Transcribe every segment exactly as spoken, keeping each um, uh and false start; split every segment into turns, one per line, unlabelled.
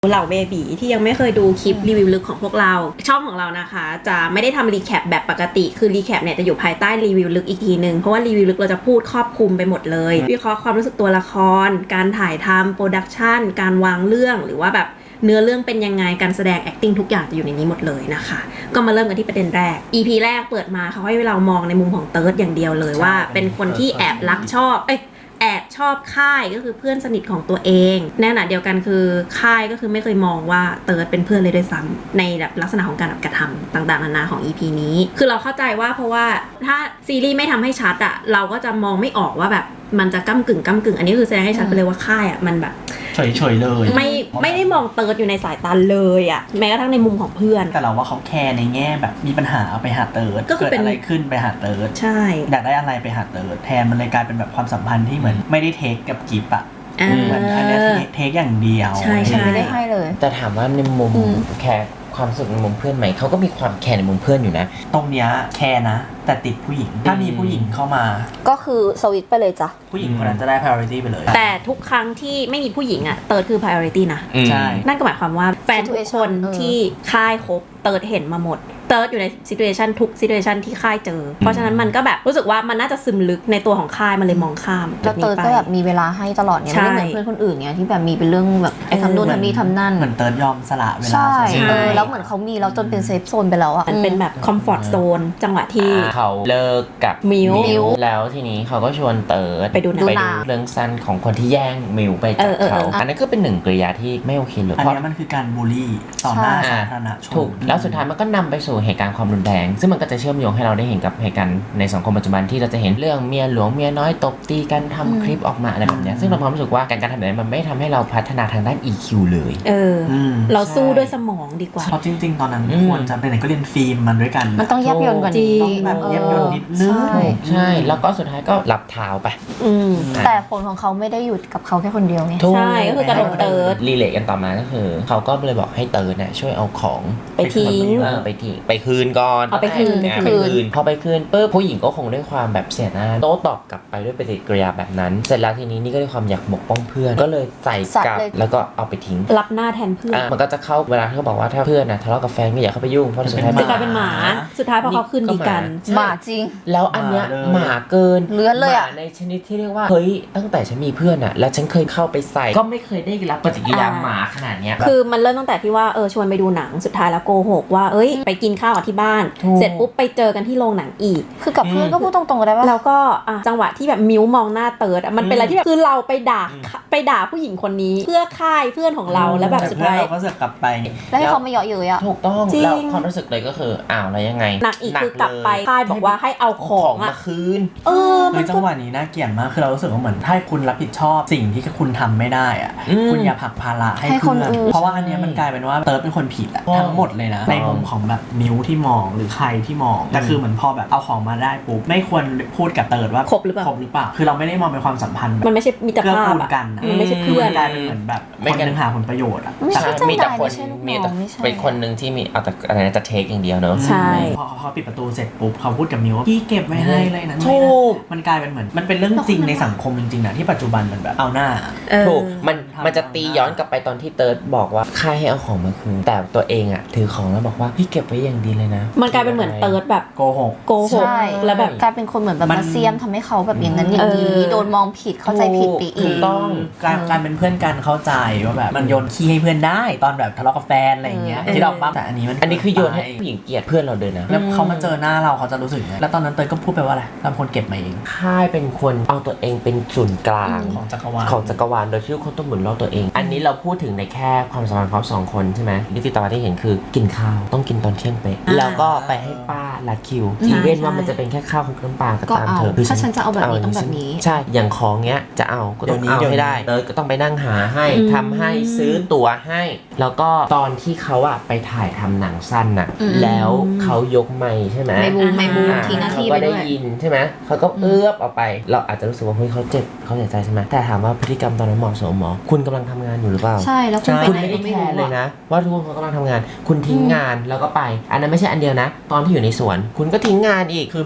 เหล่าเบบีที่ยังไม่เคยดูคลิปรีวิวลึกของพวกเราช่องของเรานะคะจะไม่ได้ทำรีแคปแบบปกติคือรีแคปเนี่ยจะอยู่ภายใต้รีวิวลึกอีกทีนึงเพราะว่ารีวิวลึกเราจะพูดครอบคลุมไปหมดเลยวิเคราะห์ความรู้สึกตัวละครการถ่ายทำโปรดักชันการวางเรื่องหรือว่าแบบเนื้อเรื่องเป็นยังไงการแสดง acting ทุกอย่างจะอยู่ในนี้หมดเลยนะคะก็มาเริ่มกันที่ประเด็นแรก อี พี แรกเปิดมาเขาให้เรามองในมุมของเติร์ดอย่างเดียวเลยว่าเป็นคนที่แอบรักชอบเอ้ยแอบชอบค่ายก็คือเพื่อนสนิทของตัวเองในขณะเดียวกันคือค่ายก็คือไม่เคยมองว่าเติร์ดเป็นเพื่อนเลยด้วยซ้ำในแบบลักษณะของการกระทำต่างๆนานาของ อี พี นี้คือเราเข้าใจว่าเพราะว่าถ้าซีรีส์ไม่ทำให้ชัดอะเราก็จะมองไม่ออกว่าแบบมันจะก้ำกึ่งก้ำกึ่งอันนี้คือแสดงให้ชัดไปเลยว่าค่ายอะมันแบบ
เฉยๆเลย
ไม่ไม่ได้มองเติร์ดอยู่ในสายตาเลยอะแม้กระทั่งในมุมของเพื่อน
แต่เราว่าเขาแคร์ในแง่แบบมีปัญหาเอาไปหาเติร์ด
ก็คือ
เกิดอะไรขึ้นไปหาเติร์ด
ใช่
อยากได้อะไรไปหาเติร์ดแทนมันเลยกลายเป็นแบบความสัมพันธ์ที่เหมือนไม่ได้เทคกับกิฟต์อะเหมือนอันนี้เทคอย่างเดียว
ใช่ใช่
ไม่ได้ให้เลย
แต่ถามว่าในมุมแคร์ความสุขในมุมเพื่อนไหมเขาก็มีความแคร์ในมุมเพื่อนอยู่นะ
ตรงเนี้ยแคร์นะแต่ติดผู้หญิงถ้ามีผู้หญิงเข้ามา
ก็คือสวิตช์ไปเลยจ้ะ
ผู้หญิงคนนั้นจะได้ priority ไปเลย
แต่ทุกครั้งที่ไม่มีผู้หญิงอะเติร์ดคือ priority นะ
ใช่
นั่นก็หมายความว่าแฟนทุกคนที่ค่ายคบเติร์ดเห็นมาหมดเติร์ดอยู่ใน situation ทุก situation ที่ค่ายเจอเพราะฉะนั้นมันก็แบบรู้สึกว่ามันน่าจะซึมลึกในตัวของค่ายมันเลยมองข้าม
แล้วเติร์ดก็แบบมีเวลาให้ตลอดเนี่ยไม่เหมือนเพื่อนคนอื่นเนี่ยที่แบบมีเป็นเรื่องแบบไอ้ทำนู่นทำนี่ทำนั่น
เหมือนเติร์ดยอมสละเวลา
ใช่แล้วเหมือนเขามีแล้วจนเป็นเซฟโซนไปแล้วอ่ะ
มันเป็นแบบ comfort zone จังหวะที่
เขาเลิกกับ
มิว
แล้วทีนี้เขาก็ชวนเติร์ด
ไปดูหนัง
เรื่องสั้นของคนที่แย่งมิวไปจากเขาอันนั้นก็เป็นหนึ่งกริยาที่ไม่โอเคเลย
อันนี้มันคือการบูลลี่ต่อหน้าสาธารณชน
ถูกแล้วสุดท้ายมันก็นำไปสู่เหตุการณ์ความรุนแรงซึ่งมันก็จะเชื่อมโยงให้เราได้เห็นกับเหตุการณ์ในสังคมปัจจุบันที่เราจะเห็นเรื่องเมียหลวงเมียน้อยตบตีกันทำคลิปออกมาอะไรแบบนี้ซึ่งเราความรู้สึกว่าการการทำแบบนี้มันไม่ทำให้เราพัฒนาทางด้าน อี คิว เลย
เออเราสู้ด้วยสมองดีกว่า
เพราะจริงๆตอนนั้นควรจะไปไหนก็เรียนฟิล์มมันด้วยกัน
มันต้องแยบยลกว่านี้
ต้องแบบแยบยลนิดนึง
ใช่แล้วก็สุดท้ายก็หลับเท้าไป
แต่ผลของเขาไม่ได้หยุดกับเขาแค่คนเดียวไง
ใช่ก็คือกระโดดเติร์ด
รีเลทกันต่อมาก็คือเขาก็เลยบอกให้เติร์ดเนี่ยช่วยเอาของ
ไปทิ้ง
ไปทิ้งไปคืนก่อน
เอาไปคืน
ไปคืนพอไปคืนปุ๊บผู้หญิงก็คงด้วยความแบบเสียหน้าโต้ตอบกลับไปด้วยปฏิกิริยาแบบนั้นเสร็จแล้วทีนี้นี่ก็ด้วยความอยากปกป้องเพื่อนก็เลยใส่กลับแล้วก็เอาไปทิ้ง
รับหน้าแทนเพื่อน
มันก็จะเข้าเวลาที่เขาบอกว่าถ้าเพื่อนนะทะเลาะกับแฟนก็อย่าเข้าไปยุ่งเพราะสุดท้าย
จะกลายเป็นหมาสุดท้ายพอเขาคืนดีกัน
หมาจริง
แล้วอันเนี้ยหมาเกิน
เลื้อนเลยอ่ะ
ในชนิดที่เรียกว่าเฮ้ยตั้งแต่ฉันมีเพื่อนอ่ะแล้วฉันเคยเข้าไปใส่ก็ไม่เคยได้รับปฏิกิริยาหมาขนาดเนี้ย
คือมันเริ่มตั้งแต่ที่ว่าเออชวนไปดูหนังสุดท้ายแล้วโกหกว่าเอ้ยไปกินข้าวที่บ้านเสร็จปุ๊บไปเจอกันที่โรงหนังอีก
คือกับเพื่อนก็พูดตรงๆได้ว่า
แล้วก็จังหวะที่แบบมิวมองหน้าเติร์ดมันเป็นอะไรที่แบบคือเราไปด่าไปด่าผู้หญิงคนนี้เพื่อค่ายเพื่อนของเราแล้วแบบสุดท้าย
เราก็เสือกกลับไป
แล้วให้เขาไม่เยาะเย้ยอ่ะ
ถูกต้องแล้วความรู้สึกเลยก็คืออ้าวแล้วยังไง
หนักอีกคือกลับไปค่ายบอกว่าให้เอาของ
มาคืน
เออ
ในจังหวะนี้น่าเกลียดมากคือเรารู้สึกว่าเหมือนถ้าคุณรับผิดชอบสิ่งที่คุณทำไม่ได้อ่ะคุณอย่าผลักภาระให้คนอื่นเพราะว่าอันนี้มันกลายเป็นว่าเติร์ดเป็นคนผิดอะทั้งหมดเลยนะในมุมของแบบมิวที่มองหรือใครที่มองแต่คือเหมือนพอแบบเอาของมาได้ปุ๊บไม่ควรพูดกับเติร์ดว่า
ครบหรือเปล่า
ครบหรือเปล่าคือเราไม่ได้มองเป็นความสัมพันธ์
มันไม่ใช่มีแต่ภาพ
กัน
มันไม่ใช่เพื่อน
กลายเป็นเหมือนแบบคนนึงหาผลประโยชน์อะ
ไม่ใช่
มีแต่คน
มี
แต่เป็นคนนึงที่มีเอาแต่อะไรนะจะเทคอย่างเดียวเนอะ
ใช่
พอเขาปิดประตูเสร็จปุ๊บเขาพูดกับมิวว่าพี่เก็บไว้ให้เลยนะ
ถูก
มันกลายเป็นเหมือนมันเป็นเรื่องจริงในสังคมจริงๆนะที่ปัจจุบันมันแบบเอาหน้า
ถูกมันมันจะตีย้อนกลับไปตอนที่เติร์ดบอกว่าค่ายให้เอาของมาคืนแต่ตัวเองอ่ะถือของแล้วบอกว่าพี่เก็บไว้อย่างดีเลยนะ
มันกลายเป็นเหมือนเติร์ดแบบ
โกหก
โกหกแล้วแบบ
กลายเป็นคนเหมือนแบบมาเซียมทำให้เขาแบบอย่างนั้นอย่างนี้โดนมองผิดเข้าใจผิดไปอีก
ต้องการการเป็นเพื่อนกันเข้าใจว่าแบบมันโยนขี้ให้เพื่อนได้ตอนแบบทะเลาะกับแฟนอะไรอย่างเงี้ยที่เราบ้าแต่อันนี้มัน
อันนี้คือโยนให้ผู้หญิงเกลียดเพื่อนเราเดินนะ
แล้วเขามาเจอหน้าเราเขาจะรู้สึกไงแล้วตอนนั้นเตยก็พูดไปว่าอะไรทำคนเก็บมาเอง
ค่ายเป็นคนเอาตัวเองเป็นศูนย์กลาง
ของจักรวาล
ของจักรวาลโดยที่คนต้องหมุนรอบตัวเองอันนี้เราพูดถึงในแค่ความสัมพันธ์เขาสองคนใช่ไหมนิติตาที่เห็นคือกินข้าวต้องกินตอนเที่ยงเป๊ะแล้วก็ไปให้ป้าลัดคิวที่เว้นว่ามันจะเป็นแค่ข้าวของน้ำปลาก็ตามเธอ
ถ้าฉันจะเอาแบบนี้ต้องแบบนี้
ใช่อย่างของเงี้ยจะเอาก็ต้องเอาให้ได้เออก็ต้องไปนั่งหาให้ทำให้ซื้อตั๋วให้แล้วก็ตอนที่เขาอะไปถ่ายทำหนังสั้นน่ะแล้วเขายกไมค์ใช่ไหม
ไม่บูมไม่บูมทีหน้าที่ไปด้วย
เขาก็ได้ยินใช่ไหมเขาก็เอื้อบออกไปเราอาจจะรู้สึกว่าเฮ้ยเขาเจ็บเขาเสียใจใช่ไหมแต่ถามว่าพฤติกรรมตอนนั้นเหมาะสมหรอคุณกำลังทำงานอยู่หรือเปล่า
ใช่แล้วคุณ
คุณไม่ได้แคร์เลยนะว่าทุกคนเขากำลังทำงานคุณทิ้งงานแล้วก็ไปอันนั้นไม่ใช่อันเดียวนะตอนที่อยู่ในสวนคุณก็ทิ้งงานอีก
คือแบบ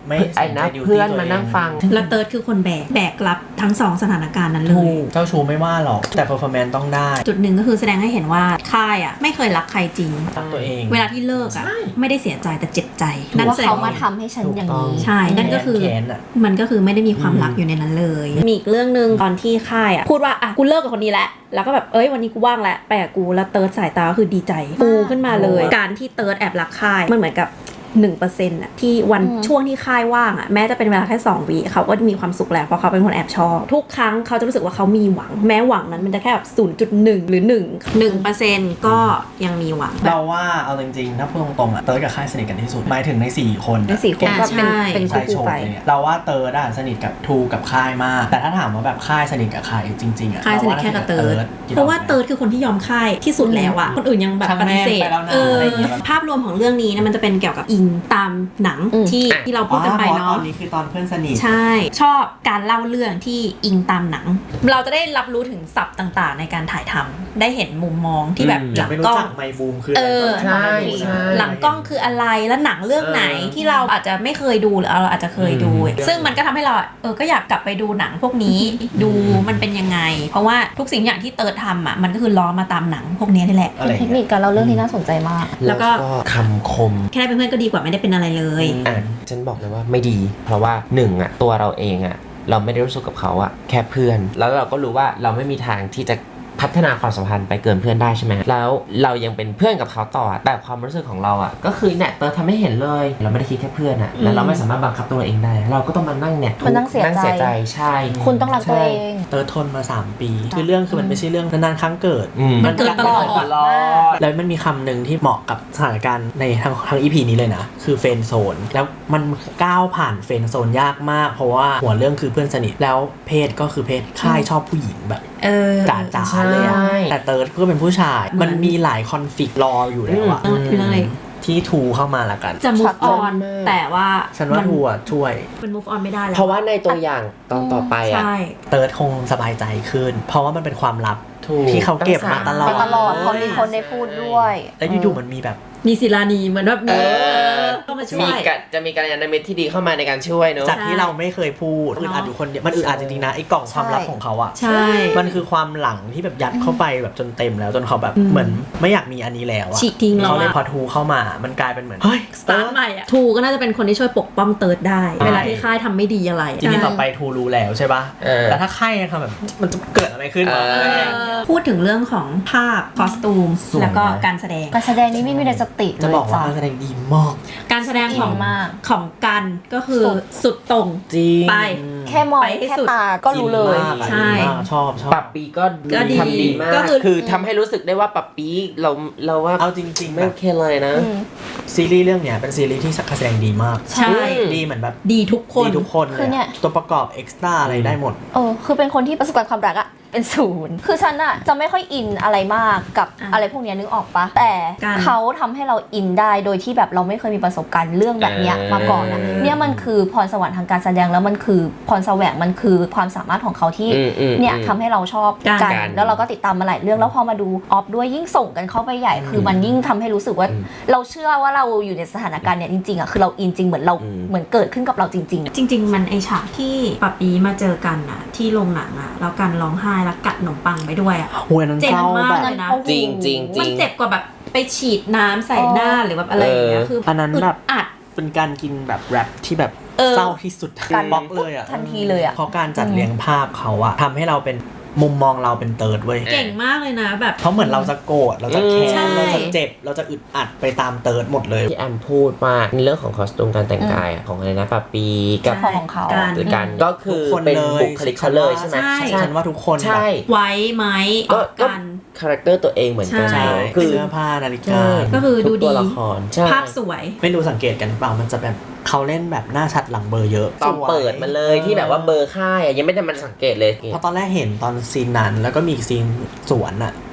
ไม่
ไอ้นะ
สใจ duty
เพื่อน
ตัว
มา
เง
นั่งฟัง
แล้วเติร์ดคือคนแบกแบกรับทั้งสองสถานการณ์นั้นเล
ถู
ย
กเจ้าชู้ไม่ว่าหรอกแต่ performance ต้องได้
จุดหนึ่งก็คือแสดงให้เห็นว่าค่ายอ่ะไม่เคยรักใครจริง
รักตัวเอง
เวลาที่เลิกอ่ะไม่ได้เสียใจแต่เจ็บใจ
นั่
นั่
น
น
ว่า
แสด
เขา
ง
มา
ว่า
ทำให้ฉันอย่างนี้
ใช่นั่นก็คือ
แค้นอะ
มันก็คือไม่ได้มีความรักอยู่ในนั้นเลย มีอีกเรื่องหนึ่งตอนที่ค่ายอ่ะพูดว่าอ่ะกูเลิกกับคนนี้แล้วแล้วก็แบบเอ้ยวันนี้กูว่างแล้วไปกับกูแล้วเติร์ดสายตาก็คือดีใจฟูขึ้นมาเลย การที่เติร์ดแอบรักค่ายมันเหมือนกับหนึ่งเปอร์เซ็นต์อะที่วัน
อืม
ช่วงที่ค่ายว่างอะแม้จะเป็นเวลาแค่สองวิเขาก็มีความสุขแล้วเพราะเขาเป็นคนแอบชอบทุกครั้งเขาจะรู้สึกว่าเขามีหวังแม้หวังนั้นมันจะแค่แบบศูนย์จุดหนึ่งหรือหนึ่งหนึ่งเปอร์เซ็นต์ก็ยังมีหวัง
เราว่าเอาจริงๆถ้าพูดตรงๆอะเติร์ดกับค่ายสนิทกันที่สุดหมายถึงในสี่คน
ในสี่คนก็เป็น
ใช่
เป็น
ชาย
คู่
โชว์
ไป
เนี่ยเราว่าเติร์ดอะสนิทกับทูกับค่ายมาก แต่ถ้าถามว่าแบบค่ายสนิทกับใครจริงๆอะ
ค่ายสนิทแค่กับเติร์ด
คิด
เพราะว่า
ออกไหม
เติร์ดคือคนที่ยอมค่ายที่สุดแล้วอะคนอื่นยังแบบ
ช่าง
ป
แม่
ฏิ
ง
เสธ
ไปแล้วนะ
เออ
อะไรอย่างเงี้ย
ภาพรวมของเรื่องนี้เนะมันจะเป็นเกี่ยวกับอิงตามหนัง
อืม
ที่ที่เราพูดกันไป
อ๋อ
เนาะ
ตอนนี้คือตอนเพื่อนสนิท
ใช่ ชอบการเล่าเรื่องที่อิงตามหนัง เราจะได้รับรู้ถึงศัพท์ต่างๆ ในการถ่ายทำได้เห็นมุมมองที่แบบ
อืม
หลัง
ไม่
ก
รู้
ล้อง
จักไมบูมคือ
เอ
อะไร
อ
ตนนั้น
ใช่
ไม่รู้
ใช่
หลังกล้องคืออะไรแล้วหนังเรื่องไหน
เออ
ที่เราอาจจะไม่เคยดูหรือเราอาจจะเคยดู
อืม
ซึ่งมันก็ทำให้เราเออก็อยากกลับไปดูหนังพวกนี้ ดูมันเป็นยังไง เพราะว่าทุกสิ่งอย่างที่เติร์ดทำอ่ะมันก็คือล้อมาตามหนังพวกนี้นี่แหละ
อะไรอ
เท
ย่าง
คนิ
เงี้
ค
ย
การเล่าเรื่องที่น่าสนใจมาก
แล้วก็
คำคม
แค่ได้เป็นเพื่อนก็ดีกว่าไม่ได้เป็นอะไรเลย
อ่ะฉันบอกเลยว่าไม่ดี เพราะว่าหนึ่งอ่ะตัวเราเองอ่ะเราไม่ได้รู้สึกกับเขาอ่ะแค่เพื่อน แล้วเราก็รู้ว่าเราไม่มีทางที่จะพัฒนาความสัมพันธ์ไปเกินเพื่อนได้ใช่ไหมแล้วเรายังเป็นเพื่อนกับเขาต่อแต่ความรู้สึกของเราอ่ะก็คือเนี่ยเติร์ดทำให้เห็นเลย เราไม่ได้คิดแค่เพื่อนอ่ะแล้วเราไม่สามารถบังคับตัวเราเองได้ เราก็ต้องมานั่งเนี่ย
มานั่งเสียใจ
นั่งเสียใจใช่
คุณต้องรักตัวเอง
เติร์ดทนมาสามปี คือเรื่องคือมันไม่ใช่เรื่องนานๆครั้งเกิด
อืม
มันเกิดตลอด
ตลอดแล้วมันมีคำหนึ่งที่เหมาะกับสถานการณ์ในทางทางอีพีนี้เลยนะ คือเฟรนด์โซนแล้วมันก้าวผ่านเฟรนด์โซนยากมาก เพราะว่าหัวเรื่องคือเพื่อนสนิทแล้วเพศก็คือเพศค่ายชอบผู้หญิงแบบ
เออ
จ๋าๆเลยอะ
ใช่
แต่เติร์ดก็เป็นผู้ชาย
เหมื
มั
อน
นมีหลายคอนฟ lict รออยู่แล้วอะ
อืมคืออะไร
ที่ทูเข้ามาละกัน
จะ move
ช็อต
on
มาก
แต่ว่า
ฉันว่าทูอะช่วย
มัน move on ไม่ได้แล้ว
เพราะว่าในตัวอย่างตอนต่อไปอ่ะ
ใช่
เติร์ดคงสบายใจขึ้น เพราะว่ามันเป็นความลับ
ถูก
ที่เขาเก็บมาตลอ
ไป
ด
ตลอดพอมีคนได้พูดด้วย
แล้วอยู่ๆมันมีแบบ
มีศิลานีเหมือนแบบมี
เออ
เข้ามาช่
มี
วย
กะจะมีการยานมิตรที่ดีเข้ามาในการช่วยเนอะ
จากที่เราไม่เคยพูดอึดอัดอยู่คนเดียวมันอึดอัดจริงๆนะไอ้กล่องความลับของเขาอะ
ใช่
มันคือความหลังที่แบบยัดเข้าไปแบบจนเต็มแล้วจนเขาแบบเหมือนไม่อยากมีอันนี้แล้วอะ
ฉีกทิ้งแล้ว
เขาเลย
อะ
พอทูเข้ามามันกลายเป็นเหมือนเฮ้ย
สตาร์ทใหม่อะทูก็น่าจะเป็นคนที่ช่วยปกป้องเติร์ดได้ เวลาที่ค่ายทำไม่ดีอะไร
ทีนี้ต่อไปทูรู้แล้วใช่ปะ
เออ
แล้วถ้าใครทำแบบมันจะเกิดอะไรขึ้นวะ
เออ
อะไรอย่างเงี้ย
พูดถึงเรื่องของภาพคอสตูม
สวยนะ
แล้วก็การแสดง
การแสดงนี้ไม่มีในสติ
จะ
เลย
บอกว่า
จ้ะ
การแสดงดีมาก
การแสดงของ
จริงมาก
ของกันก็คือ
สุด
สุดตรง
จริง
ไป
แค่มอง
ไปให้
แค่
สุด
ตาก็รู้เลย
จงมากอะ
ใช่
ดีมากชอบชอบ
ปับปีก็
ก็ดี
ทำดีมาก
ก็คือ
คือทำให้รู้สึกได้ว่าปับปีเราเราว่า
เอาจริงๆ
ไม่
แบ
โอบ เคเลยนะ
อืม
ซีรีส์เรื่องเนี้ยเป็นซีรีส์ที่การแสดงดีมาก
ใช่
อืม
ดีเหมือนแบบ
ดีทุกคน
ดีทุกคน
คื
เล
อย เนี่ย
อะตัวประกอบเอ็กซ์ตร้าอะไรได้หมด
เออคือเป็นคนที่ประสบการณ์ความรักอะเป็นศูนย์คือฉันอะจะไม่ค่อยอินอะไรมากกับ
อ่ะ
อะไรพวกเนี้ยนึกออกปะแต่
การ
เขาทำให้เราอินได้โดยที่แบบเราไม่เคยมีประสบการณ์เรื่องแบบเนี้ย
เออ
มาก่อนอะเนี่ยมันคือพรสวรรค์ทางการแสดงแล้วมันคือพรแสวงมันคือความสามารถของเขาที่
อืมอืม
เนี่ย
อืม
ทำให้เราชอบ
การ
กัน
การ
แล้วเราก็ติดตามมาหลายเรื่องแล้วพอมาดูออฟด้วยยิ่งส่งกันเข้าไปใหญ่ คือมันยิ่งทำให้รู้สึกว่า
อืม
เราเชื่อว่าเราอยู่ในสถานการณ์เนี่ยจริงๆอะคือเราอินจริงเหมือนเรา
อืม
เหมือนเกิดขึ้นกับเราจริงๆ
จริง ๆ มันไอฉากที่ปับปีมาเจอกันอะที่โรงหนังอะแล้วกันร้องไห้แล้วกัดขนมปังไปด้วยอะ
โอ้ยอันนั้น
เจ็บ
เศร้าม
าก
แบบ
เลยนะ
จริงจริงจริ
มัน
ง
เจ็บกว่าแบบไปฉีดน้ำใส่หน้าหรือแบบอะไรอย่างเงี้ย
เออ
คือ
อันนั้นแบบ
ดอัด
เป็นการกินแบบแรปที่แบบ
เออ
เศร้าที่สุด
การ
บล็อกเลยอ่ะ
ทันทีเลยอะ
เพราะการจัดเรียงภาพเขาอะทำให้เราเป็นมุมมองเราเป็นเติร์ดเว้ย
เก่งมากเลยนะแบบ
เพราะเหมือนเราจะโกรธเราจะแค้
ใช่
นเราจะเจ็บเราจะอึดอัดไปตามเติร์ดหมดเลย
ที่แอมพูดว่าในเรื่องของคอสตูมการแต่งกายอะของอะไรนะปับปีกับ
ของของเขา
การ
หรือกันก็คือ
ทุกคน
เป็น
เลย
บุคลิกเขาเลยใช่ไหม
ใช่
ฉันว่าทุกคน
ใช่
ไว้ไหมอ
ก็
อก
ก็
กัน
คาแรคเตอร์ตัวเองเหมือนกัน
ใช่
ใช่
คือ
เสื้อผ้านาฬิกา
ใช่
ก็คือดู
ทุกตัว
ดี
ละครใช่
ภาพสวย
ไม่รู้สังเกตกันเปล่ามันจะแบบเขาเล่นแบบหน้าชัดหลังเบอร์เยอะ
ตอนเปิดมาเลยที่แบบว่าเบอร์ค่ายอะยังไม่ได้มันสังเกตเลย
เพราะตอนแรกเห็นตอนซีนนั้นแล้วก็มีอีกซีนสวนอะ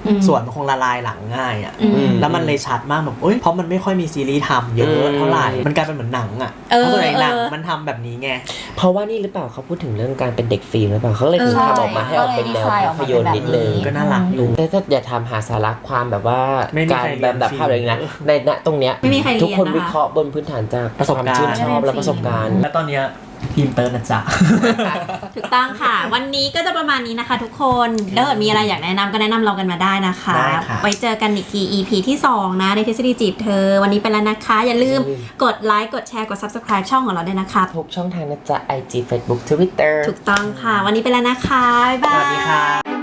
ส่วนมันคงละลายหลังง่ายอ่ะ
อืม
แล้วมันเลยชัดมากแบบเอ้ยเพราะมันไม่ค่อยมีซีรีส์ทำเยอะเท่าไหร่มันกลายเป็นเหมือนหนังอ่ะ
เออ
เพราะส่วนใหญ่หนัง
เออ
มันทำแบบนี้ไง
เพราะว่านี่หรือเปล่าเขาพูดถึงเรื่องการเป็นเด็กฟิล์มหรือเปล่าเขาเลยถึง
ใช่
ทำออกมาให้ออกเป็นแนวภาพยนตร์นิดนึง
ก็น่ารักอยู่
แต่ถ้าอย่าทำหาสาระความแบบว่า
ไม่มี
การ
ใครเรียน
แบบดับภาพอะไรนะในณตรงเนี้ย
ไม่มีใครเรียน
ทุกคน
นะคะ
วิเคราะห์บนพื้นฐานจาก
ประสบการณ์
ควมชื่นชอบและประสบการณ์
และตอนเนี้ยทีมเติร์นนะจ๊ะ
ถูกต้องค่ะ วันนี้ก็จะประมาณนี้นะคะทุกคนถ้าเกิดมีอะไรอยากแนะนำก็แนะนำเรากันมาได้นะคะ
ได้ค่ะ
ไว้เจอกันอีกที อี พี ที่สองนะในทฤษฎีจีบเธอ วันนี้ไปแล้วนะคะ อย่าลืมกดไลค์กดแชร์กด Subscribe ช่องของเราด้วยนะคะ
ทุกช่องทางนะจ๊ะ ไอ จี Facebook Twitter
ถูกต้องค่ะ วันนี้ไปแล้วนะคะ บ๊ายบาย
สวัสดีค่ะ